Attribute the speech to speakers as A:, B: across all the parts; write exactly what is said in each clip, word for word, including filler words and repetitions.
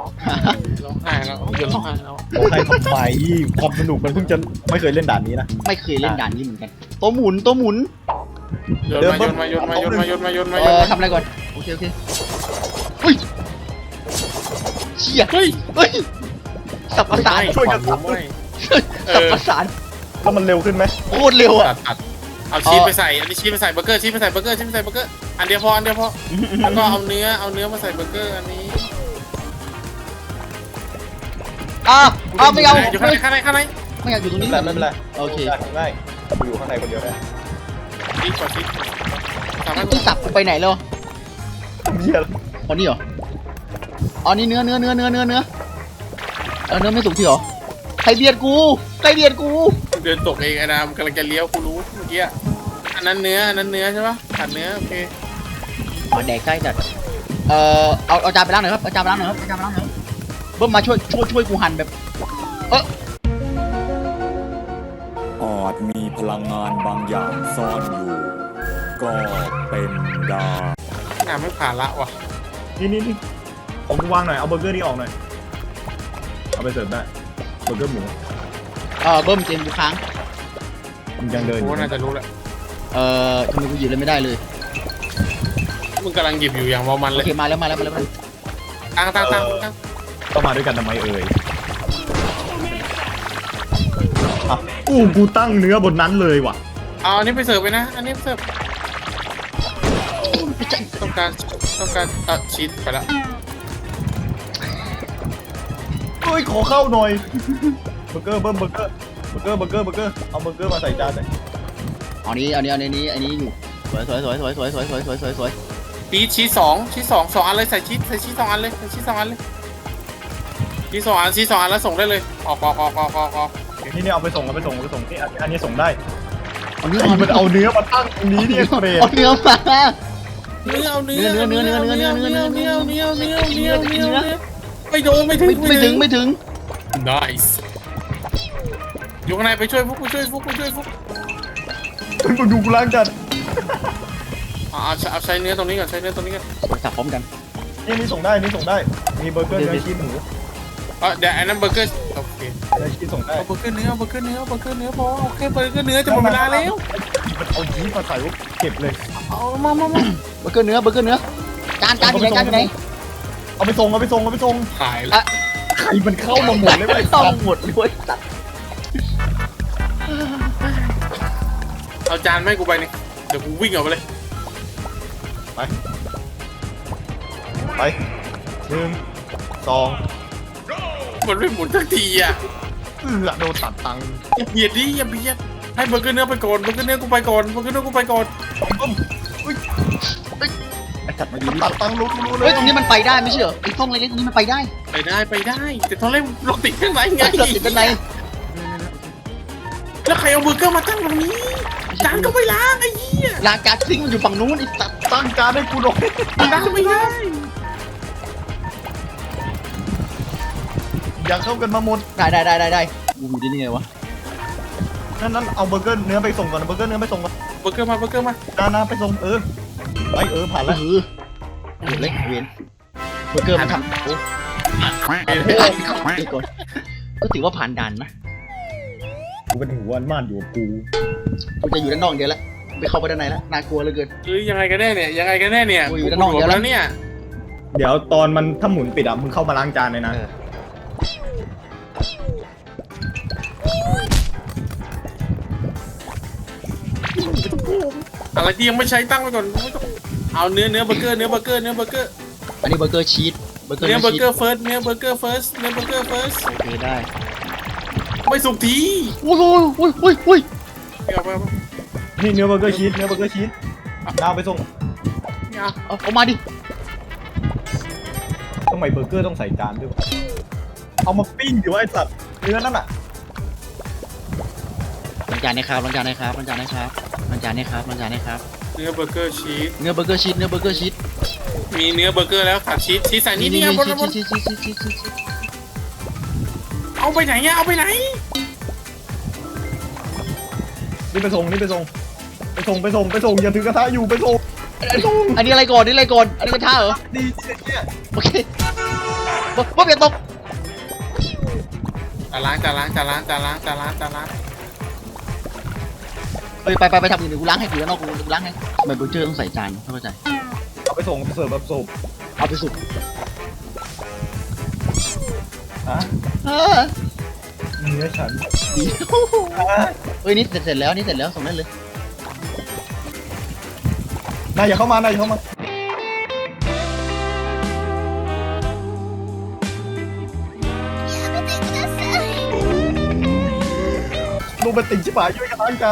A: ร้องไห้แล้วเดี๋ยวร้องไห้แล้ว
B: ใครทำไมความสนุกมันเพิ่งจะไม่เคยเล่นด่านนี้นะ
C: ไม่เคยเล่นด่านนี้เหมือนกันตัวหมุนตัวหมุน
A: โยนมาโยนมาโยนมาโยนมาโยนมาโยนมา
C: เอ
A: โยน
C: อ
A: มา
C: ทำอะไรก่อนโอเคโอเคเฮ้ยเชี่ย
A: เฮ้ย
C: เฮ้ยสับประสาน
B: ช่วยกันสับ
A: ไม่
C: สับประสาน
B: แล้วมันเร็วขึ้นไหม
C: โคตรเร็ว
A: ตั
C: อ่ะ
A: ดตัดเอาชีสไปใส่อันนี้ชีสไปใส่เบอร์เกอร์ชีสไปใส่เบอร์เกอร์ชีสไปใส่เบอร์เกอร์อันเดียวพออันเดียวพอแล้วก็เอาเนื้อเอาเนื้อมาใส่เบอร์เกอร์อันนี้
C: อ้าวอ้าวไม่เอา
A: อยู่ข้างในข้างในข้างใน
C: ไม่อยากอยู่ตรงนี้
B: แต่ไม่เป็นไร
C: โอเค
B: ได้ได้กูอยู่ข้างในคนเดียวได้
A: ชีสกว่าชีสสามารถ
C: ที่สับกูไปไหนแล้ว
B: เหี้ย
C: อ๋อนี่เหรออ๋อนี่เนื้อเนื้อเนื้อเนื้อเนื้อเนื้อเออเนื้อไม่สุกที่เหรอใครเบียดกูใครเบียดกู
A: เดินตกเองไอ้นามกำลังจะเลี้ยวกูรู้เมื่อกี้อันนั้นเนื้ออันนั้นเนื้อใช่ปะขาดเนื้อโอเค
C: อ๋อแดกใกล้จัดเอ่อเอาเอาจานไปล้างหน่อยครับเอาจานไปล้างหน่อยครับเอาจานไปล้างหน่อยครับเบิ้มมาช่วยช่วยช่วยกูหั่นแบบเออ
D: อาจมีพลังงานบางอย่างซ่อนอยู่ ก็เป็นได้
A: นามไม่ผ่านละว่ะ
B: นี่นี่นี่ของกูวางหน่อยเอาเบอร์เกอร์นี่ออกหน่อยเอาไปเสิร์ฟได้เบอร์เกอร์หมู
C: เออเบิ้มเกมกูค้าง
B: มันยังเดินอ
A: กู
B: ยู่
A: น่าจะรู้แหละ
C: เอ่อทำไมกูหยิบเลยไม่ได้เลย
A: มึงกำลังหยิบอยู่อย่างเมามัน
C: โอ
A: เลย
C: เคมาแล้วมาแล้วมาแล้วมาแล้ว
A: ตั้งตั้งตั้งตั้ง
B: ต้องมาด้วยกันทำไมเอ่ยอ่ะอู้กูตั้งเนื้อบนนั้นเลยว่ะ
A: เอาอันนี้ไปเสิร์ฟไปนะอันนี้ไปเสิร์ฟ
C: ไม่ใช่
A: ต้องการต้องการตัดชีสไปละ
B: เอ้ยขอเข้าหน่อยเบอร์เกอร์เบิ้มเบอร์เกอร์เบอร์เกอร์เบอร์เกอร์เบอร์เกอร์เอาเบอร์เกอร์มาใส่จานหน่อย
C: เอานี้เอานี้เอานี้อันนี้อยู่สวยสวยสวยสวยสวยสวยสวยสวยสวยสวย
A: ชีสชีสสองชีสสองสองอันเลยใส่ชีสใส่ชีสสองอันเลยใส่ชีสสองอันเลยชีสสองอันชีสสองอันแล้วส่งได้เลยออกออกออกออกออกออก
B: นี่นี่เอาไปส่งเอาไปส่งเอาไปส่งนี่อันอันนี้ส่งได้
C: เอานี้
B: ไอ้มันเอาเนื้อมาตั้งตรงนี้เนี่ยเปรต
C: เอาเนื้อมา
A: เนื้อเอาเนื้อ
C: เนื้อเนื้อเนื้อเนื้อเนื้อเนื้อเนื้อ
A: เนื้อเนื้อเนื้อเนื้อเนื้อเนื้อไม่โดนไม่ถึง
C: ไม่ไม่ถึงไม่ถึง
A: nice อยู่ข้างในไปช่วยฟุกไปช่วยฟุกไปช่วยฟุก
B: มึงดูกูล้างจาน
A: เอาเอาใช้เนื้อตรงนี้ก่อนใช้เนื้อตรงนี้ก่อน
C: สับพร้อมกัน
B: นี่นี่ส่งได้นี่ส่งได้มีเบอร์เกอร์เนื้อชีสหมู
A: เออเดี๋ยวอันนั้นเบอร์เกอร์โอเค
B: เนื้อชีสส่งได้
A: เอาเบอร์เกอร์เนื้อเบอร์เกอร์เนื้อเบอร์เกอร์เนื้อพอโอเคเบอร์เกอร์เนื้อจะหมดเวลาแล้ว
B: มันเอาชีสมาใส่ไว้เก็บเลย
A: เอามามามา
C: เบอร์เกอร์เนื้อเบอร์เกอร์เนื้อจานจานอยู่ไหนจานอยู่ไหน
B: เอาไปส่งเอาไปส่งเอาไปส่ง
A: ขาย
C: อ่ะ
B: ใครมันเข้ามาหมดเลยไม่
C: ต้
B: ต้
C: อ
B: อง ง
C: หมดด้วยสัตว์
A: เอาจานไม่กูไปนี่เดี๋ยวกูวิ่งออกไปเลย
B: ไปไปหนึ่งสอง
A: มันไม่หมุนสักทีอ่ะ
B: เอือโดนตัดตังค์
A: อย่าเบียดดิอย่าเบียดให้เบอร์เกอร์เนื้อไปก่อนเบอร์เกอร์เนื้อกูไปก่อนเบอร์เกอร์เนื้อกูไปก่อน
C: ไอ้สัตว์มาดูดิ
B: ตัดตังค์รู้รู้เล
C: เฮ้
B: ย
C: ยตรงนี้มันไปได้ไม่ใช่เหรอไอ้ช่องเล็กๆนี้มันไปได้
A: ไปได้ไปได้แต่ตอนแรกเราติดข้างในไง
C: เราติดเป็นไร
A: แล้วใครเอาเบอร์เกอร์มาตั้งตรงนี้จานก็ไม่ล้างไอ้เหี้ย
C: ลางการซิงมันอยู่ฝั่งนู้นไอ้สัตว์
B: ตั้งจานให้กูหน่อย
A: ล้างไม่ได้
B: อย่าเข้ากันมาหมด
C: ได้ได้ได้ได้ได้กูอยู่ที่นี่ไงวะ
B: นั่นนั่นเอาเบอร์เกอร์เนื้อไปส่งก่อนเบอร์เกอร์เนื้อไปส่งก่อน
A: เบอร์เกอร์มาเบอร์เกอร์มา
B: นานาไปส่งเออไปเออผ่าน
C: เอ
B: แล้ว
C: อเดี๋ยวเล็กเวียนเบอร์เกอร์มันทำโอ้ก่อนก็ถือว่าผ่านด่านนะ
B: กูเป็นหัวอันม่านอยู่กับกู
C: กูจะอยู่ด้านนอกเดียวแล้วไปเข้าไปด้านในแล้วน่ากลัวเหลือเกิน
A: เอ้ยยังไงกันแน่เนี่ยยังไงกันแน่เนี่ย
C: โอ้ยอยู่ด้านนอกเดี๋ยวนะ
A: แล้วเนี่ย
B: เดี๋ยวตอนมันถ้าหมุนปิดอ่ะมึงเข้ามาล้างจานเลยนะ
C: เออ
A: อะไรที่ยังไม่ใช้ตั้งไว้ก่อนไม่ต้องเอาเนื้อเนื้อเบอร์เกอร์เนื้อเบอร์เกอร์เนื้อเบอร์เกอร์
C: อันนี้เบอร์เกอร์ชีสเบอร์เกอร์
A: เนื้อเบอร์
C: ชีส
A: เกอร์เฟิร์สเนื้อเบอร์เกอร์เฟิร์สเนื้อเบอร์เกอร์เฟิร์ส
C: โอเคได้
A: ไม่สุกที
C: โอ้ยโอ้ยโอ้ยโอ้ยโอ้ย
A: เอาไปเอาไป
B: นี่เนื้อเบอร์เกอร์ชีสเนื้อเบอร์เกอร์ชีสดาวไปส่ง
A: เอา
C: เอาเอามาดิ
B: ทำไมเบอร์เกอร์ต้องใส่จานด้วยวะเอามาปิ้งอยู่ว่าไอสัตว์เนื้อนั่นอ่ะ
C: ล้างจานนะครับล้างจานนะครับล้างจานนะครับล้างจานนะครับล้างจานนะครับ
A: เนื้อเบอร์เกอร์ชีส
C: เนื้อเบอร์เกอร์ชีสเนื้อเบอร์เกอร์ชีส
A: มีเนื้อเบอร์เกอร์แล้วขาดชีสชีสใส่นี่
C: นี่
A: นี่
C: นี่
A: เอาบน
C: ชี
A: เอาบน
C: สชีสชีสชีสชีสชีสชีส
A: เอาไปไหนเนี่ยเอาไปไหน
B: นี่ไปส่งนี่ไปส่งไปส่งไปส่งไปส่งอย่าถือกระทะอยู่ไปส่งไปส่ง
C: อันนี้อะไรก่อนนี่อะไรก่อนอันนี้กระทะเหรอ
B: ดีเนี่ย
C: โอเคเบิ้มอย่าตก
A: จานล้างจานล้างจานล้างจานล้างจานล้างจานล้าง
C: เฮ้ยไปไปไปทำอื่นเดี๋ยวกูล้างให้กูแล้วนอกกูกูล้างให้ทำไมเบอร์เจอร์ต้องใส่จานไม่เข้าใจ
B: เอาไปส่งเสิร์ฟแบบสุก
C: เอาไปสุก
B: ฮะ
C: เออ
B: เนื้อฉัน
C: ดี
B: ฮะ
C: เฮ้ยนี่เสร็จเสร็จแล้วนี่เสร็จแล้วส่งได้เลย
B: นายอย่าเข้ามานายอย่าเข้ามาลูกเป็นติ่งชิบหายช่วยกันล้างจาน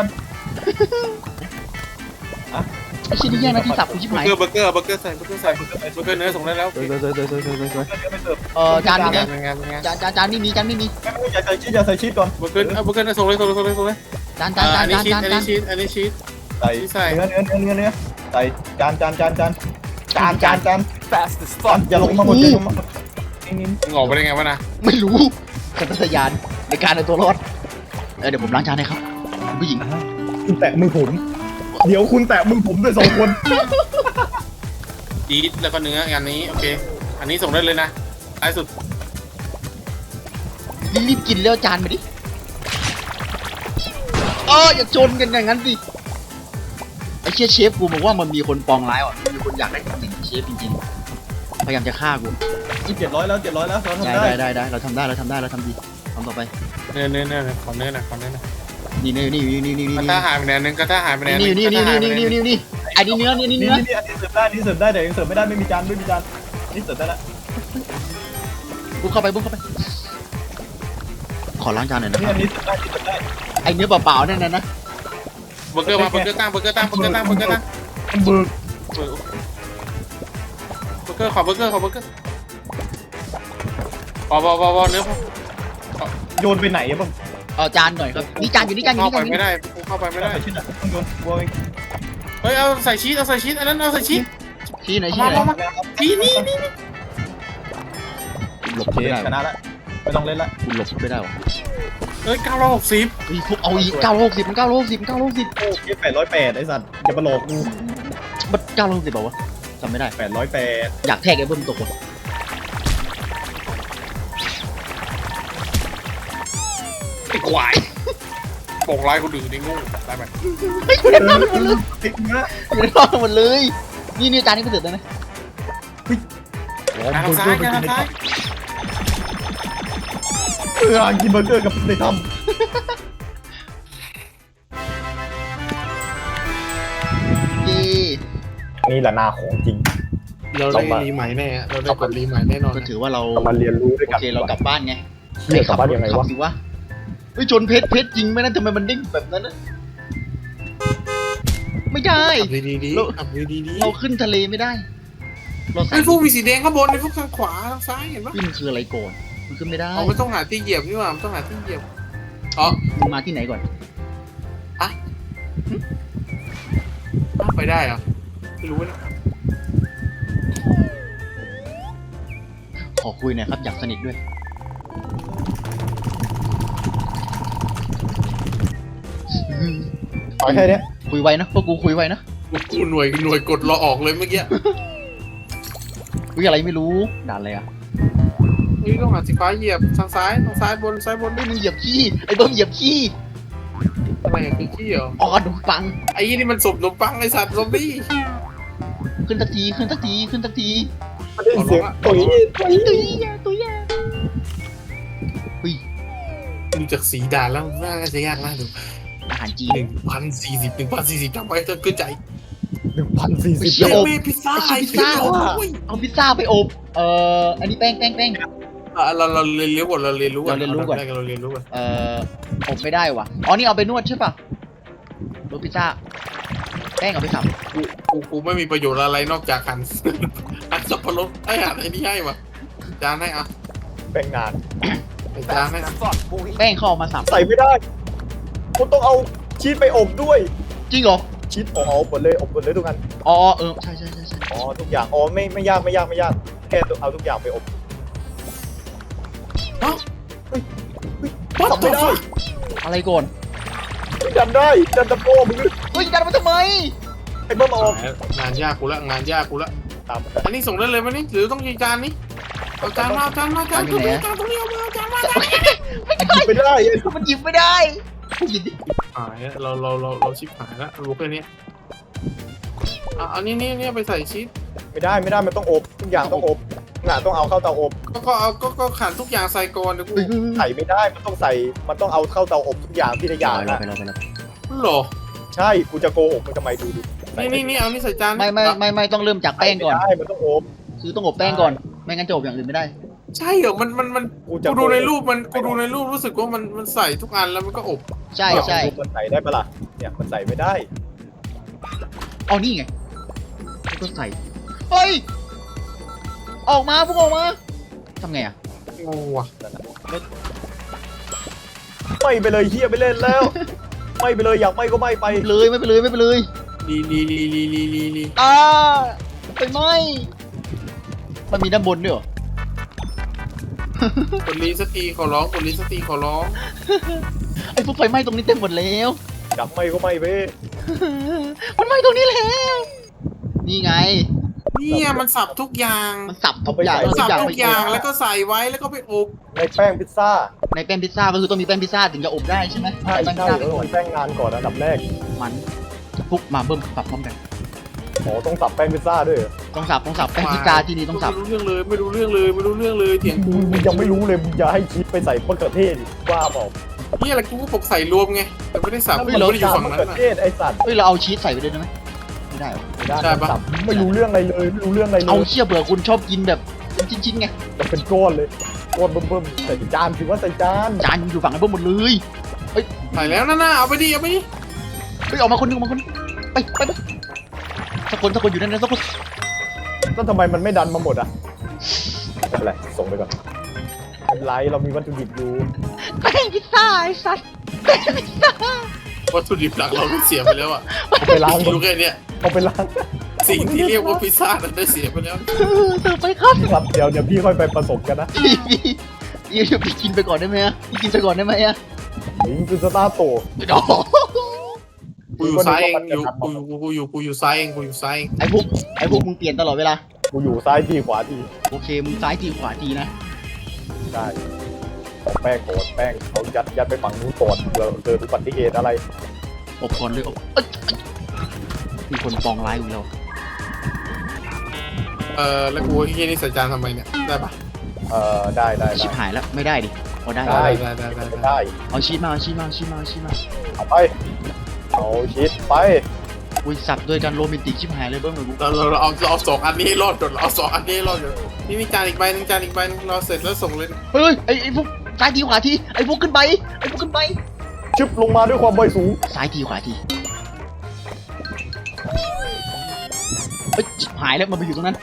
C: ไอ้ชิ้นนี้แย่งนะที่สับกูชิบ
A: เบอ
C: หาย
A: ร์เกอร์เบอร์เกอร์เบอร์เกอร์ใส่เบอร์เกอร์ใส่เบอร์เกอร์เนื้อส่งได้แล้ว
B: เสิร์ฟเสิร์ฟเสิร์ฟเสิร์ฟเสิร์ฟเสิร์ฟไม่เสิร์ฟ
C: เออจานมี
A: เป็น
C: ไหม
A: ไงเป็นไง
C: จานจานจานไม่มีจานไม่มี
B: ไม่ไม่อย่าใส่ชีสอย่าใส่ชีสก่อน
A: เบอร์เกอร์เอาเบอร์เกอร์เนื้อส่งเลยส่งเลยส่งเลยส่งเลย
C: จานจานจา
A: อั
C: น
A: นนี้
C: จาน
A: ชีส
C: จาน
A: อัน
C: จา
A: นี้
C: น
A: ชีสอันนี้ชีส
B: ใส่
A: ใส่
B: เนื้อเนื้อเนื้อเนื้อเนื้อใส่จานจานจานจานจานจานจานจานอย่าลงมาหมดอย่าลงมาหมดนี่นี่
A: มึงออกไปได้ไงวะนะ
C: ไม่รู้สัญชาตญาณในการเอาตัวรอดเออเดี๋ยวผมล้างจานให้ครับคุณผู้หญิง
B: คุณแตะมือผม เดี๋ยวคุณแตะมือผมด้วยสองคน
A: ชีสแล้วก็เนื้ออันนี้โอเคอันนี้ส่งได้เลยนะท้ายสุด
C: รีบๆกินแล้วจานมาดิเอออย่าชนกันอย่างนั้นสิไอ้เชี่ยเชฟกูบอกว่ามันมีคนปองร้ายว่ะมีคนอยากได้ตำแหน่งเชฟจริงๆพยายามจะฆ่ากู
B: เจ็ดร้อยแล้วเจ็ดร้อยแล้วเราทำ
C: ได้
B: ได้
C: ได้ได้ได้เราทำได้เราทำได้เราทำดีทำต่อไป
A: เนื้อเนื้อเนื้อเนื้อขอเนื้อหน่อยขอเนื้อหน่อย
C: นี่นี่นี่นี่นี่นี่
A: กระ
C: นี่
A: ทะหายไปไหนนึงกระทะหายไปไหน
C: นี่นี่นี่นี่นี่นี่นี่ไอ้นี่เนื้อนี่นี่
B: นี่
C: เนื้อ
B: นี่อันนี้เสิร์ฟได้นี่เสิร์ฟได้แต่ยังเสิร์ฟไม่ได้ไม่มีจานไม่มีจานนี่เสิร์ฟได้แล้ว
C: บุกเข้าไปบุกเข้าไปขอล้างจานหน่อยนะ
B: นี่
C: ครับ
B: อันนี้เสิร์ฟได้นี่เสิร์ฟได้
C: ไอ้เนื้อเปล่าๆนั่นนะนะ
A: เบอร์เกอร์มาเบอร์เกอร์ตั้งเบอร์เกอร์ตั้งเบอร์เกอร์ตั้งเบอร์เกอร์ตั้ง
B: มันเบิก
A: เบอร์เบอร์เกอร์ขอเบอร์เกอร์ขอเบอร์เกอร์พอพอพอพอเนื้อพอ
B: โยนไปไหนอะบ้าง
C: เอาจานหน่อยครับนี่จานอยู่นี่จานอยู่
A: เข้า
C: นี่
A: ไป
C: จานอยู่
A: ไม่
C: นี่
A: ได้เข้าไปไม่ได้
B: ใส่ชิ้นอะต้องโยนบัวเอง
A: เฮ้ยเอาใส่ชีสเอาใส่ชีสอันนั้นเอาใส่ชีส
C: ชี้ไหนชี้ไหน
A: มามา ชีสนี่นี่
C: หลบ
B: โอเค
C: ไม่ได้
B: ชนะแล้วไม่ต้องเล่นละ
C: คุณหลบไม่ได้หรอ
A: เฮ้ยเก้าร้อยหกสิบ
C: เฮ้ยพวกเอาอีกเก้าร้อยหกสิบมันเก้าร้อยหกสิบมันเก้าร้อยหกสิบ
B: โอ้ยแปดร้อยแปดไอ้สัตว์อย่ามาหลอกกู
C: มันเก้าร้อยหกสิบเปล่าวะจำไม่ได้
B: แปดร้อยแปด
C: อยากแทกไอ้เบิ้มตกว่ะ
A: ไอ้ควายปกไล่คนอื่นได้งูได้ไหม
C: เฮ้ยคุณเห็นบ้างหมดเลย
B: ติ๊กเนื้อ
C: คุณเห็นบ้างหมดเลยนี่นี่จานนี้ไปเสร็จแล้วนะ
A: ทางซ้ายทางซ้าย
B: เออกินเบอร์เกอร์กับในถ้
C: เย่
B: ำนี่แหละนาของจริง
A: เราได้รีใหม่แน่เราได้กดรีใหม่แน่นอน
C: ก็ถือว่าเรา
B: เรามาเรียนรู้ด้วย
C: โอ
B: กัน
C: เคเรากลับบ้านไง
B: เชี่ยกลับบ้านยังไง
C: ขั
B: วะ
C: สิวะเฮ้ยชนเพชรเพชรจริงไหมนะทำไมมันเด้งแบบนั้นนะไม่ได้
A: ขับดีดีขับดีดี
C: เราขึ้นทะเลไม่ได้ เราใส่
A: ไอ้พวกมีสีแดงข้างบนไอ้พวกทางขวาทางซ้ายเห็นปะ
C: ขึ้นคืออะไรก่อนมันขึ้นไม่ได้
A: เอาไม่ต้องหาที่เหยียบนี่หว่าต้องหาที่เหยียบอ๋อ
C: มึงมาที่ไหนก่อน
A: ไปได้เหรอไม่รู้นะ
C: ขอคุยหน่อยครับอยากสนิทด้วย
B: ขอแค่เนี้ย
C: คุยไวนะพวกกูคุยไวนะ
A: กูหน่วยหน่วยกดรอออกเลยเมื่อกี้
C: คุยอะไรไม่รู้ด่านอะไรอ่ะ
A: นี่ต้องหาสีฟ้าเหยียบทางซ้ายทางซ้ายบนซ้ายบน
C: ไม่มึงเหยียบขี้ไอ้เบิ้มเหยียบขี้
A: อะไรอย่างคือขี้เหรอ
C: อ๋อดูฟัง
A: ไอ้ยี่นี่มันสมนมปังไอสัตว์ซอมบี้
C: ขึ้นสักทีขึ้นสักทีขึ้นสักที
B: ได้ยินเสียงตุ๋ยตุ๋ย
C: ตุ้ยแย่ตุ้ยแย่เฮ้ย
A: ดูจากสีด่านแล้วน่าจะยากนะดู
C: อาหารจีน
A: หนึ่งพันสี่สิบหนึ่งพันสี่สิบจำไว้จนเกินใจ
B: หนึ่งพันสี่สิบ
C: เชี่ย
A: เย้พิซซ่า
C: ไอ้พิซซ่า เอาพิซซ่าไปอบเอ่ออันนี้แป้งแป้งแป้ง
A: เราเราเรียนรู้ก่อนเราเรียนรู้ก่อน
C: เราเรียนรู้ก่อน
A: เราเรียนรู้ก่อน
C: เอ่ออบไม่ได้ว่ะอ๋อนี่เอาไปนวดใช่ป่ะรสพิซซ่าแป้งเอาไปสับ
A: กูกูกูไม่มีประโยชน์อะไรนอกจากหั่นหั่นสับปะรดไอ้หั่นไอ้นี่ให้วะจานให้อ่ะ
B: แบ่งงาน
A: จานให้อ่ะ
C: แป้งเขาเอามาสับ
B: ใส่ไม่ได้คุณต้องเอาชีสไปอบด้วย
C: จริงเหรอ
B: ชีสอบหมดเลยอบหมดเลยทุกอัน
C: อ๋อเออใช่ใช่ใช่ใช่
B: อ๋อทุกอย่างอ๋อไม่ไม่ยากไม่ยากไม่ยากแค่เอาทุกอย่างไปอบ
A: ฮะ
B: ทำไม่ได้
C: อะไรก่อน
B: ดันได้ดันตะโพมึง
C: เฮ้ยดันมาทำไม
B: ไอ้เบิ้มมาอบ
A: งานยากกูละงานยากกูละ
B: ตาม
A: อันนี้ส่งได้เลยไหมนี่หรือต้องยีจานนี้
B: ส
A: เอาจานมาเอาจานมาจานตรงนี้จานตรงนี้เอามาเอาจานมาจาน
B: ไม่ได้ไอ้
C: มันหยิบไม่ได้หยิบดิ
A: หายแล้วเราเราเราเราชิบหายแล้วรู้แค่นี้อ่ะอันนี้นี่นี่ไปใส่ชีส
B: ไม่ได้ไม่ได้มันต้องอบทุกอย่างต้องอบงาต้องเอาเข้าเตาอบ
A: ก็ก็เอาก็ก็ขันทุกอย่างใส่ก่อนเดี๋ยวกู
B: ใส่ไม่ได้มันต้องใส่มันต้องเอาเข้าเตาอบทุกอย่างที่ละอย่าง
C: ไป
B: นะ
C: แล้วไปแล้วไปแล้ว
A: หรอ
B: ใช่กูจะโกหกมึงทำไมดูดิ
A: นี่นี่นี่เอานี่ใส่จาน
C: ไม่ไม่ไม่ไม่ต้องเริ่มจากแป้งก่อน
B: ไม่ได้มันต้องอบ
C: คือต้องอบแป้งก่อนไม่งั้นจะอบอย่างอื่นไม่ได้
A: ใช่เหรอมันมันมัน
B: กูจะ
A: กูดูในรูปมันกูดูในรูปรู้สึกว่ามันมันใส่ทุกอันแล้วมันก็อบ
C: ใช่ใช่
B: มันใส่ได้ปะล่ะเนี่ยมันใส่ไม่ได้
C: เอานี่ไงแล้วก็ใส่เฮ้ยออกมาพวกออกมาทำไงอ่ะ
A: งงว่ะ
B: ไม่ไปเลยเฮียไปเล่นแล้ว ไม่ไปเลยอยากไม่ก็ไม่ไป
C: ไม่เลยไม่ไปเลยไม่ไปเลย
A: ลีลีลีลีลีลีลี
C: อ่าไปไหมมันมีด้านบนด้วยเหรอก
A: ดลีสกทีขอร้องกดลีสกทีขอร้อง
C: ไอ้พวกไฟไหม้ตรงนี้เต็มหมดแล้ว
B: อยากไม่ก็ไม่ไป
C: มันไหม้ตรงนี้แล้วนี่ไง
A: เนี่ยมันสับทุกอย่าง
C: มันสับทุกอย่าง
A: มัน
C: ทุ
A: สั
C: ก
A: บ
C: อย่าง
A: ทุ
C: ไป
A: กอย่างแล้วก็ใส่ไว้แล้วก็ไปอบ
B: ในแป้งพิซซ่า
C: ในแป้งพิซซ่าก็คือต้องมีแป้งพิซซ่าถึงจะอบได้ใช่ไหม
B: ใช่
C: แป้งพิซ
B: ใช่
C: ซ่า
B: เออมันแป้งงานก่อนอันดับแรก
C: มันพวกมาเบิ่มปรับพร้อมกัน
B: อ๋อต้องสับแป้งพิซซ่าด้วยเหรอ
C: ต้องสับต้องสับแป้งพิซซ่าที่นี่ต้องสับ
A: ไม่รู้เรื่องเลยไม่รู้เรื่องเลยไม่รู้เรื่องเลยเถียงกู
B: มึงยังไม่รู้เลยมึงจะให้ชีสไปใส่มะเขือเทศอีกว่าเปล่า
A: นี่อะไรกูก็บอกใส่รวมไงแต่ไม่ได้สับ
B: มั
A: ไม่ได้อยู่ฝั่ง
B: มะ
A: นั้น
B: เขือ
A: น่ะ
B: เทศไอ้สัตว์
C: เฮ้ยเราเอาชีสใส่ไปด้วยได้ไหมไม่ได้หรอ
B: ไม่ได้
A: ใช่ปะ
B: สับไม่รู้เรื่องอะไรเลยไม่รู้เรื่องอะไรเล
C: เอา
B: ย
C: เชี่ยเบื่อคุณชอบกินแบบเป็นชิ้นๆไง
B: มันเป็นก้อนเลยก้อนเบิ่มๆใส่จานถือว่าใส่จาน
C: จานอยู่ฝั่งไอ้พวกหมดเลย
A: ใส่แล้วนะน่าเอาไปดิเอาไปดิ
C: เฮ้ยออกมาคนหนึงออกมาคนหนึงไปไปไปสักคนสักคนอยู่นั่นนะสักคน
B: แล้วทำไมมันไม่ดันมาหมดอ่ะไม่เป็นไรส่งไปก่อนไม่เป็นไรเรามีวัตถุดิบอยู่
C: แป้งพิซซ่าไอ้สัสแป้งพิซซ่า
A: วัตถุดิบหลักเราก็เสียไปแล้วอ่ะ
B: เอาไปล้าง
A: รู้แค่เนี้ย
B: เอาไปล้าง
A: สิ่งที่เรียกว่าพิซซ่านั้นได้เสียไปแล้ว
C: เออเสิร์ฟไปครับ
B: ครับเดี๋ยวเดี๋ยวพี่ค่อยไปผสมกันนะ
C: พี่พี่พี่เดี๋ยวพี่กินไปก่อนได้ไหมอะพี่กินไปก่อนได้ไหมอะ
B: ลิงคือสตาร์โต
C: ไม่ต้อง
A: กูอยู่ซ้ายเองอยู่กูอยู่กูอยู่กูอยู่ซ้ายเองกูอยู่ซ้ายเอง
C: ไอ้พวกไอ้พวกมึงเปลี่ยนตลอดเวลา
B: กูอยู่ซ้ายทีขวาที
C: โอเคมึงซ้ายทีขวาทีนะ
B: ได้เอาแป้งโกดแป้งเขายัดยัดไปฝั่งนู้นก่อนเผื่อเกิดอุบัติเหตุอะไร
C: อบก่อนเลยอบเอ้ยมีคนปองร้ายกูแล้ว
A: เออแล้วกูที่นี่ใส่จานทำไมเนี่ยได้ปะ
B: เอ่อได้ได้
C: ชิ
B: ได้
C: บหายแล้วไม่ได้ดิพอได้
B: ได้
A: ได้ได้ได้
B: ไม่
A: ได้
B: ได้
C: เอาชีสมาเอาชีสมาเอาชีสมาเอาชีสมา
B: เอาไปเอาชีสไป
C: อุ้ยสับด้วยกันโรแมนติกชิบหายเลยเบิ้มเลยกู
A: เราเราเราเอาเราเอาสองอันนี้ให้รอดก่อนเราเอาสองอันนี้ให้รอดก่อนนี่มีจานอีกใบหนึงจานอีกใบหนึงเราเสร็จแล้วส่งเลย
C: เฮ้ยไอ้ไอ้พวกซ้ายทีขวาทีไอ้พวกขึ้นไปไอ้พวกขึ้นไป
B: ชึบลงมาด้วยความไวสูง
C: ซ้ายทีขวาทีเฮ้ยชิบหายแล้วมันไปอยู่ตรงนั้น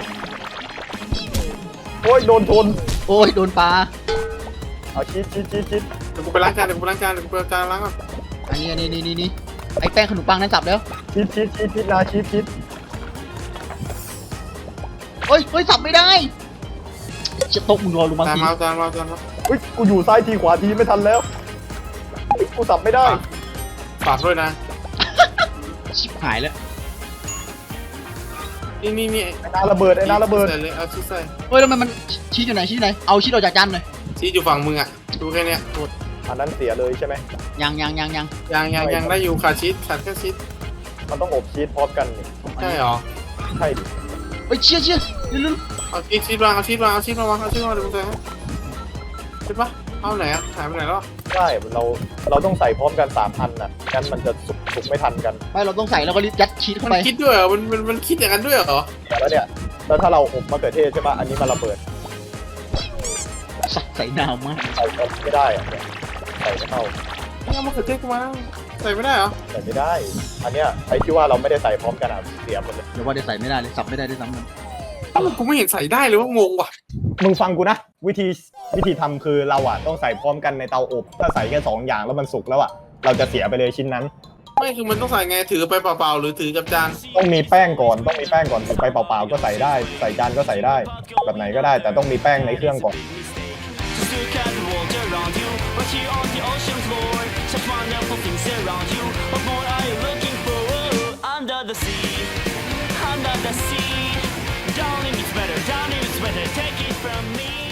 B: โอ้ยโดนชน
C: โอ้ยโดนปลา
B: เอาชีสชีสชีสชีส
A: เดี๋ยวกูไปล้างจานเดี๋ยวกูไปล้างจานเดี๋ยวกูไปเอาจานล้างก่อน
C: อันนี้อันนี้นี่นี่นี่ไอ้แป้งขนมปังนั้นสับแล้ว
B: ชีสชีสชีสชีสนาชีสชีส
C: เฮ้ยเฮ้ยสับไม่ได้จะตกมึงรอลงมา
A: จาน
C: สิ
A: มาเอาจานมาเอาจานมา
B: เฮ้ยกูอยู่ซ้ายทีขวาทีไม่ทันแล้วเฮ้ยกูสับไม่ได้
A: ฝากด้วยนะ
C: ชิบหายแล้ว
A: นี่นี่นี่
B: ไอ้นาระเบิดไอ้นาระเบิด
A: ใส่เลยเอาชีสใส่
C: เฮ้ยแล้วมันมันชี้อยู่ไหนชี้อยู่ไหนเอาชี้ออกจากจานหน่อย
A: ชีสอยู่ฝั่งมึงอ่ะดูแค่เนี้ยหมด
B: อันนั้นเสียเลยใช่ไหม
C: ยังยังยังยัง
A: ยังยังยังได้อยู่ขาดชีสขาดแค่ชีส
B: มันต้องอบชีสพร้อมกันนี่
A: ใช่เหรอ
B: ใช่ดิ
C: เฮ้ยเชี่ยเชี่ยเร็ว
A: เอาชีสชีสวางเอาชีสวางเอาชีสมาวางเอาชีสมาวางเดี๋ยวมึงใส่ให้ใช่ปะเอาไหนอ่ะหายไปไหนแล้ว
B: ใช่เราเราต้องใส่พร้อมกันสามอันน่ะงั้นมันจะสุกสุกไม่ทันกัน
C: ๆไม่เราต้องใส่แล้วก็รีบยัดชีสเข้า
A: มัน
C: ไป
A: คิดด้วยเหรอมันมันมันคิดอย่างนั้นด้วยเหรอ
B: แล้วเนี่ยแล้วถ้าเราอบมะเขือเทศใช่ปะอันนี้มันระเบิด
C: ใส่ใส่นาวมาก
B: ใส่ไม่ได้อะเนี่ยใส่ไม่เข้า
A: เอามาเขือเทศกูมาใส่ไม่ได้เหรอ
B: ใส่ไม่ได้ อันเนี้ยไอ้ที่ว่าเราไม่ได้ใส่พร้อมกันอ่ะเสียหมดเลย
C: เดี๋ยวว่าได้ใส่ไม่ได้เลยสับไม่ได้ด้วยซ้ำมัน
A: เอ้ากูไม่เห็นใส่ได้เลยว่างงว่ะ
B: มึงฟังกูนะวิธีวิธีทำคือเราอ่ะต้องใส่พร้อมกันในเตาอบถ้าใส่แค่สองอย่างแล้วมันสุกแล้วอ่ะเราจะเสียไปเลยชิ้นนั้น
A: ไม่คือมันต้องใส่ไงถือไปเปล่าๆหรือถือกับจาน
B: ต้องมีแป้งก่อนต้องมีแป้งก่อนถือไปเปล่าๆก็ใส่ได้ ใส่จานก็ใส่ได้ แบบไหนก็ได้ แต่ต้องมีแป้งในเครื่องก่อน
E: Just look at the world around you. Right here on the ocean's floor. Just wonderful things around you. What more are you looking for? Under the sea, under the sea. Down in it's better, down in it's better. try to take it from me